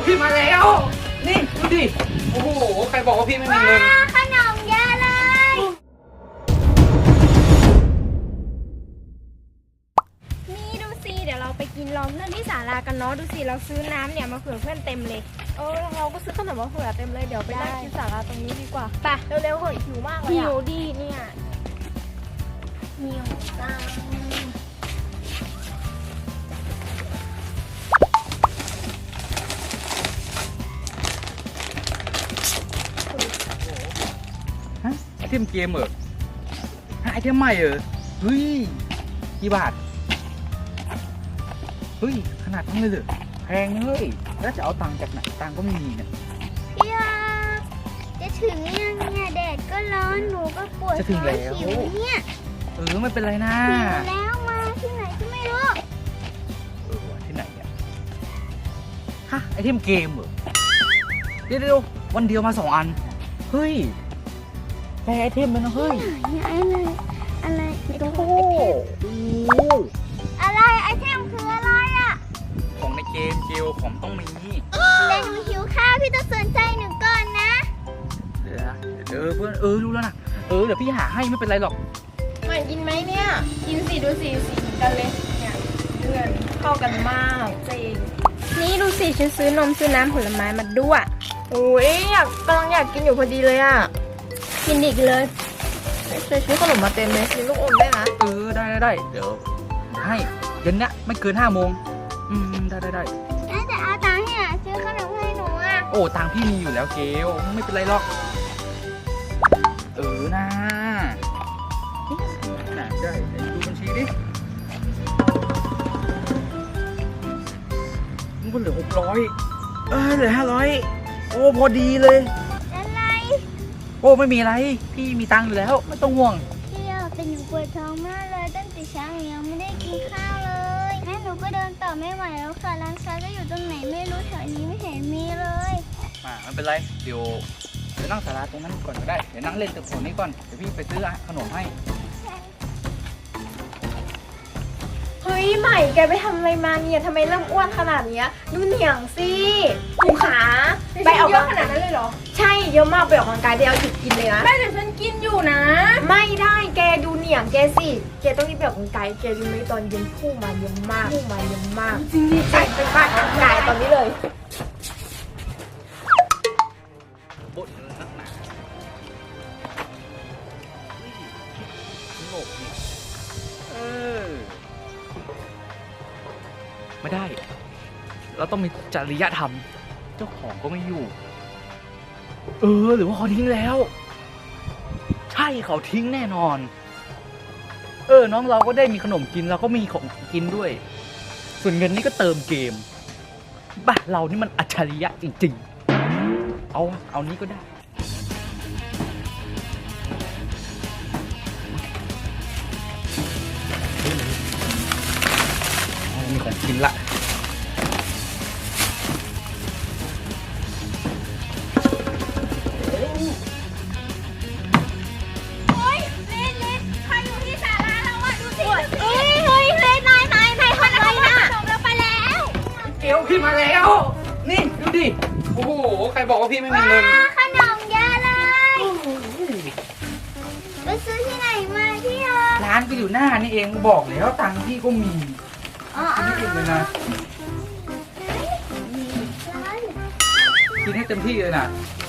พี่มาแล้วนี่ดูดิโอ้โหใครบอกว่าพี่ไม่มีเงินขนมเยอะเลยนี่ดูสิเดี๋ยวเราไปกินล้อมเพื่อนที่ศาลากันเนาะดูสิเราซื้อน้ำเนี่ยมาเผื่อเพื่อนเต็มเลยเราก็ซื้อขนมมาเผื่อเต็มเลยเดี๋ยวไปนั่งกินศาลาตรงนี้ดีกว่าไปเร็วๆเหอะหิวมากเลยหิวดีเนี่ยหิวจังไอเทมเกมเหรอไอเทมใหม่เหรอเฮ้ยกี่บาทเฮ้ยขนาดนั้นเลยเหรอแพงเฮ้ยแล้วจะเอาตังค์จากไหนตังค์ก็ไม่มีเนี่ยพี่จะถึงยังเนี่ยแดดก็ร้อนหนูก็ปวดท้องหิวเนี่ยไม่เป็นไรนะหิวแล้วมาที่ไหนก็ไม่รู้ที่ไหนเนี่ยฮะไอเทมเกมเหรอเดี๋ยววันเดียวมา2 อันเฮ้ยแค่ไอเทมมันนะเฮ้ยอะไรโอ้โหอะไรไอเทมคืออะไรอ่ะของในเกมเกลของต้องมีแต่หนูหิวข้าวพี่ต้องสนใจหนูก่อนนะเพื่อนรู้แล้วนะเดี๋ยวพี่หาให้ไม่เป็นไรหรอกใหม่กินไหมเนี่ยกินสิดูสิสีเหมือนกันเลยเนี่ยเพื่อนเข้ากันมากจริงนี่ดูสิฉันซื้อนมซื้อน้ำผลไม้มาด้วยโอ้ยกำลังอยากกินอยู่พอดีเลยอ่ะกินอีกเลยซื้อขนมมาเต็มเลยมีลูกอมได้นะได้เดี๋ยวให้เย็นเนี้ยไม่เกิน5 โมงได้แต่เอาตังค์ให้ซื้อขนมให้หนูอ่ะโอ้ตังค์พี่มีอยู่แล้วเกลไม่เป็นไรหรอกนะได้ดูบัญชีดิมันเหลือ600เหลือ500โอ้พอดีเลยอะไรโอ้ไม่มีอะไรพี่มีตังค์อยู่แล้วไม่ต้องห่วงพี่เป็นหนูปวดท้องมากเลยตั้งแต่เช้ายังไม่ได้กินข้าวเลยแม่หนูก็เดินต่อไม่ไหวแล้วค่ะร้านค้าก็อยู่ตรงไหนไม่รู้แถวนี้ไม่เห็นมีเลยไม่เป็นไรเดี๋ยวนั่งศาลาตรงนั้นก่อนก็ได้เดี๋ยวนั่งเล่นตึกโขนนี้ก่อนเดี๋ยวพี่ไปซื้อขนมให้เฮ้ยใหม่แกไปทำอะไรมาเนี่ยทำไมเริ่มอ้วนขนาดนี้ดูเหนียงสิหูขาไปออกเยอะขนาดนั้นเลยเหรอใช่เยอะมากไปออกกำลังกายได้เอาหยุดกินเลยนะแม่เดี๋ยวฉันกินอยู่นะไม่ได้แกดูเหนียงแกสิแกต้องรีบไปออกกำลังกายแกรู้ไหมตอนเย็นพุ่งมาเยอะมากจริงดิไปบ้านออกกำลังกายตอนนี้เลยไม่ได้เราต้องมีจริยธรรมเจ้าของก็ไม่อยู่หรือว่าเขาทิ้งแล้วใช่เขาทิ้งแน่นอนน้องเราก็ได้มีขนมกินเราก็มีของกินด้วยส่วนเงินนี่ก็เติมเกมบ้าเรานี่มันอัจฉริยะจริงๆเอานี้ก็ได้มีของกินละใครอยู่ที่ศาลาเราอ่ะดูสิเฮ้ยนายทำอะไรนะขนมเราไปแล้วเกลพี่มาแล้วนี่ดูดิโอ้โหใครบอกว่าพี่ไม่มีเงินขนมเยอะเลยไปซื้อที่ไหนมาพี่ร้านก็อยู่หน้านี่เองบอกแล้วตังค์พี่ก็มีนี่เองเลยนะกินให้เต็มที่เลยนะ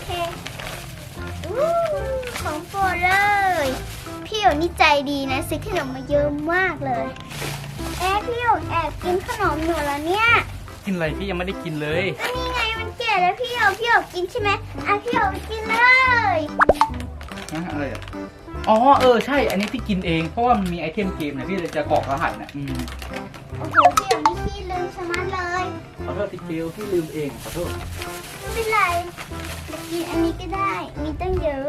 ของโปรดเลยพี่อยู่นี่ใจดีนะซื้อขนมมาเยอะมากเลยพี่อยู่แอบกินขนมหนูแล้วเนี่ยกินอะไรพี่ยังไม่ได้กินเลยก็นี่ไงมันแก่แล้วพี่อยู่กินใช่ไหมพี่อยู่กินเลยอะไรใช่อันนี้พี่กินเองเพราะว่ามันมีไอเทมเกมนะพี่เลยจะกรอกรหัสนะโอ้โหพี่อยู่นี่ขี้ลืมสมัดเลยขอโทษพี่เกลพี่ลืมเองขอโทษไม่เป็นไรกินอันนี้ก็ได้มีตั้งเยอะ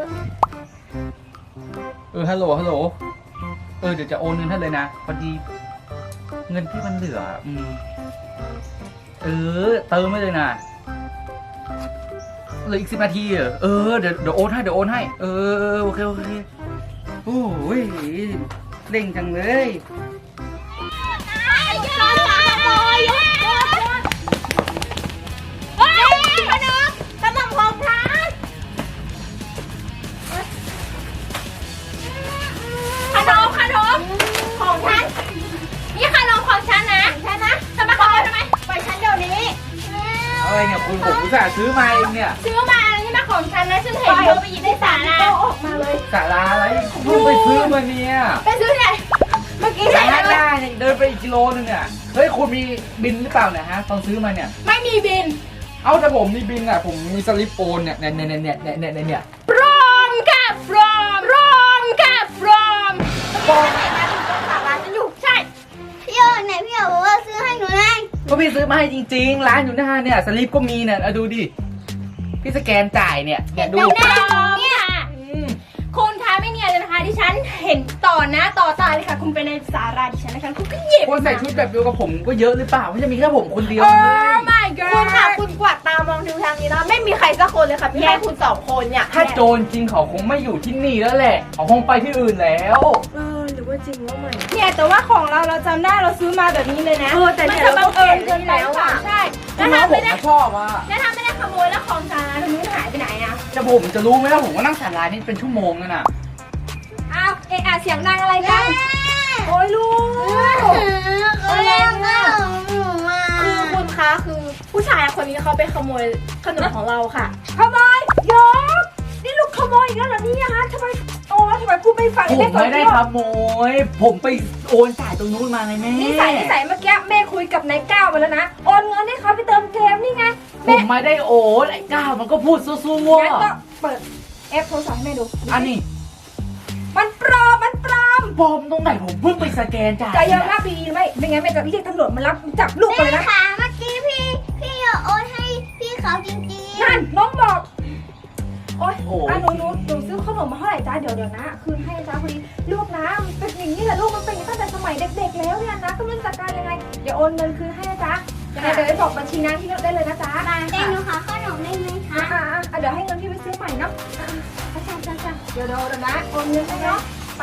ฮัลโหลเดี๋ยวจะโอนเงินให้เลยนะพอดีเงินพี่มันเหลือเติมไม่เลยนะเหลืออีก10 นาทีเดี๋ยวโอนให้โอเคโอ้ยเร่งจังเลยเฮ้ยขนมของฉันนี่ขนมของฉันนะจะมาขโมยทำไมปล่อยฉันเดี๋ยวนี้อะไรเนี่ยคุณผมอุตส่าห์ซื้อมาเองเนี่ยซื้อมาอะไรนี่มาของฉันนะฉันเห็นเธอไปหยิบในศาลาออกมาเลยสาราอะไรเพิ่งไปซื้อมาเนี่ยไปซื้อที่ไหนเมื่อกี้สาใช่ไหมราเนี่ยเดินไปอีกกิโลนึงเนี่ยเฮ้ยคุณมีบินหรือเปล่าเนี่ยฮะตอนซื้อมาเนี่ยไม่มีบินเอ้าแต่ผมมีบินอ่ะผมมีสลิปโอนเนี่ยปลอมค่ะปลอมค่ะปลอมปลอมนะถึงต้องศาลาฉันอยู่ใช่พี่โยไหนพี่โยบอกว่าซื้อให้หนูไงก็พี่ซื้อมาให้จริงๆร้านอยู่หน้าเนี่ยสลิปก็มีเนี่ยเอาดูดิพี่สแกนจ่ายเนี่ยดูปลอมค่ะคุณคะไม่เนียนเลยนะคะที่ฉันเห็นต่อหน้าต่อตาเลยค่ะคุณเป็นในศาลาดิฉันนะคะคุณก็หยิบคนใส่ชุดแบบเดียวกับผมก็เยอะหรือเปล่าไม่ใช่มีแค่ผมคนเดียวโอ้เลย my god คุณค่ะคุณกวาดตามองดูทางนี้นะไม่มีใครสักคนเลยค่ะพี่แค่คุณ2 คนเนี่ยถ้าโจรจริงเขาคงไม่อยู่ที่นี่แล้วแหละเขาคงไปที่อื่นแล้วหรือว่าจริงว่าไม่เนี่ยแต่ว่าของเราจำได้เราซื้อมาแบบนี้เลยนะแต่เนี่ยมันจะบังเอิญเกินไปหรือเปล่าใช่คุแล้วณน้องถ้าผไม่มได้ชอบอ่ะแล้วถ้าไม่ได้ขโมยแล้วของจานตรงนี้หายไปไหนอะแต่ผมจะรู้ไหมว่าผมก็นั่งสารานี่เป็นชั่วโมงแล้วน่ะอ้าวเสียงดังอะไรกันโอ้ยลูกเขาเล่นข้าวหนูอ่ะคือคุณคะคือผู้ชายคนนี้เขาไปขโมยขนมของเราค่ะขโมยยกนี่ลูกขโมยอีกแล้วเหรอเนี่ยฮะทำไมพูดไม่ฟังผมไม่ได้ขโมยผมไปโอนจ่ายตรงนู้นมาไงแม่นิสัยเมื่อกี้แม่คุยกับนายก้าวไปแล้วนะโอนเงินให้เขาไปเติมเกมนี่ไงผมไม่ได้โอนไอ้ก้าวมันก็พูดสู้งั้นก็เปิดแอปโทรศัพท์ให้แม่ดูๆอันนี้มันปลอมปลอมตรงไหนผมเพิ่งไปสแกนจ่ายใจเย็นมากดีๆไม่งั้นแม่จะเรียกตำรวจมารับจับลูกไปเลยนะค่ะเมื่อกี้พี่โยโอนให้พี่เขาจริงนั่นน้องบอกโอ๊ยโอ้หนูซื้อขนมมาเท่าไหร่จ้าเดี๋ยวนะคืนให้จ้าพอดีลูกนะมันเป็นอย่างนี้แหละลูกมันเป็นอย่างนี้ตั้งแต่สมัยเด็กๆแล้วเนี่ยนะก็ไม่รู้จักการยังไงเดี๋ยวโอนเงินคืนให้นะจ๊ะยังไงเดี๋ยวไปบอกบัญชีนะที่ได้เลยนะจ๊ะๆแต่หนูขอขนมได้ไหมคะเดี๋ยวให้เงินพี่ไปซื้อใหม่เนาะจ้าเดี๋ยวนะโอนเงินให้เนาะไป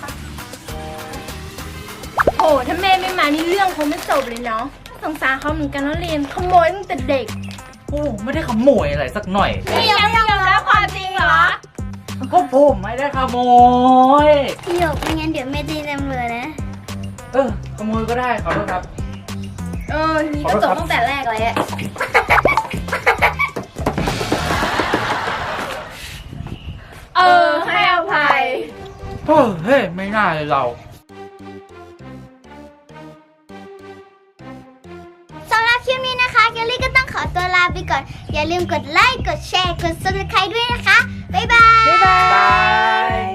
โอ้ถ้าแม่ไม่มานี่เรื่องคงไม่จบเลยเนาะสงสารเขาเหมือนกันแล้วเรียนขโมยตั้งแต่เด็กโอ้ไม่ได้ขโมยอะไรสักหน่อยพี่ยังไม่ยอมรับความจริงเหรอก็ผมไม่ได้ขโมยพี่โยไม่งั้นเดี๋ยวแม่ตีตำรวจนะขโมยก็ได้ขอโทษครับทีนี้ก็จบตั้งแต่แรกเลยอะให้อภัยเฮ้ยไม่น่าเลยเราสำหรับคลิปนี้นะคะเกลลี่ก็ต้องขอตัวลาไปก่อน อย่าลืมกดไลค์ กดแชร์ กด subscribe ด้วยนะคะ บ๊ายบายบ๊ายบาย